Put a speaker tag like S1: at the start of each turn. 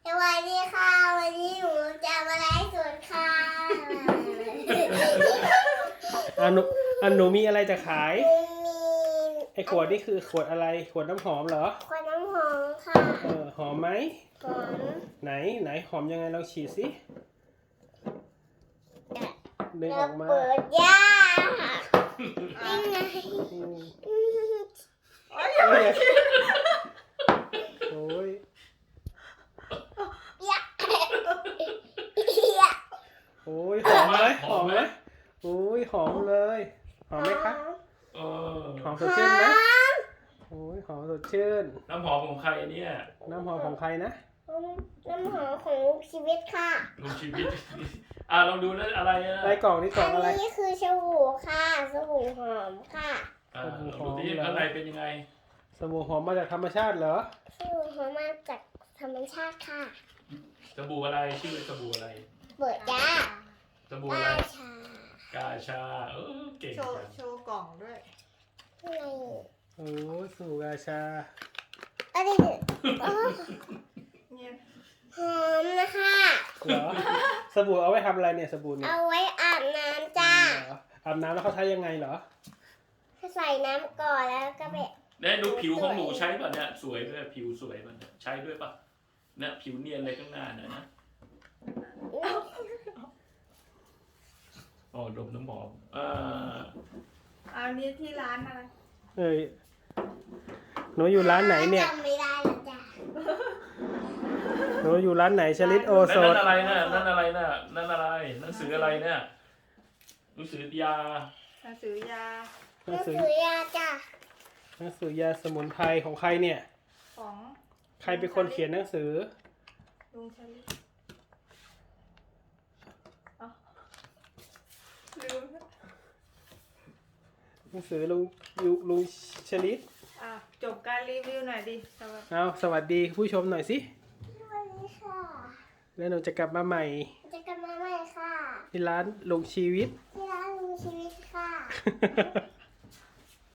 S1: สวัสดีค่ะวันนี้หนูจะมาไลฟ์สดค่ะ
S2: หนูมีอะไรจะขาย
S1: หนูมี
S2: ไอ้ขวดนี่คือขวดอะไรขวดน้ำหอมเหรอ
S1: ขวดน้ำหอมค่ะ
S2: หอมไหม
S1: หอม
S2: ไหนหอมยังไงลองฉีดสิดึงอ
S1: แล้
S2: อ
S1: ว
S2: กมา
S1: เปิดยานี่ไง
S2: อืมโอ้ย
S1: ยา
S2: โอ้ยหอมไหมหอมไหมโอ้ยหอมเลยหอมไหมคะ
S3: เออ
S2: หอมสดชื่นไหมโอ้ยหอมสดชื่น
S3: น้ำหอมของใครเนี่ย
S2: น้ำหอมของใครนะ
S1: น้ำหอมของลูกชีวิตค่ะ
S3: ลุงชีวิต ลองดูนะอะไรนะ
S2: ในกล่องนี่กล่
S1: อั
S2: องอะไร
S1: นนี้คือสบู่ค่ะสบู่หอมค่ะ
S3: ลองดูที่ข้างในเป็นยังไง
S2: สบู่หอมมาจากธรรมชาติเหรอ
S1: สบู่หอมมาจากธรรมชาติค่ะ
S3: สบู่อะไรชื่อสบู่อะไร
S1: เปิดยา
S3: สบู่อะไร
S1: ราชาก
S3: าชาเก่ง
S4: โชว์
S3: จัง
S4: โชว์กล่องด้วย
S1: ข้างใน
S2: โอ้ยสบู่กาชา
S1: อะไรเนี่ยอ๋อ
S4: เนี่ย
S1: หอมนะคะ
S2: เหรอสบู่เอาไว้ทำอะไรเนี่ยสบู่เนี่ย
S1: เอาไว้อาบน้ำจ้า
S2: เหรออาบน้ำแล้วเขาใช้ยังไงเหรอ
S1: ใส่น้ำก่อนแล้วก็ไป
S3: เนี่ยดูผิวของหนูใช้ป่ะเนี่ยสวยด้วยผิวสวยป่ะเนี่ยใช้ด้วยป่ะเนี่ยผิวเนียนเลยข้างหน้าเนี่ยนะอ๋อดมน้ำหอม
S4: อันนี้ที่ร้านอะไร
S2: เอ้ยหนูอยู่ร้านไหนเนี่ย
S1: จำไม่ได้แล้วจ้า
S2: หนูอยู่ร้านไหนชลิตโอโซ
S3: นั่
S2: น
S3: นอะไรน่ะนั่นอะไรน่ะนั่นอะไรหนังสืออะไรเนี่ยหนังสือยา
S4: หนังสือยา
S2: หนังสือ
S1: ซื้อยาจ้า
S2: หนังสือยาสมุนไพรของใครเนี่ย
S4: ของ
S2: ใครเป็นคนเขียนหนังสือ
S4: ลุงชลิดอ๋อลืม
S2: หนังสือลุงชลิต
S4: อ่ะจบการรีวิวหน่อยดิสวัสดี
S2: เอาสวัสดีผู้ชมหน่อยสิ
S1: สวัสดีค่ะ
S2: แล้วหนูจะกลับมาใหม่
S1: จะกลับมาใหม่ค่ะ
S2: ที่ร้านลุงชีวิต
S1: ที่ร้านลุงชีวิตค่ะ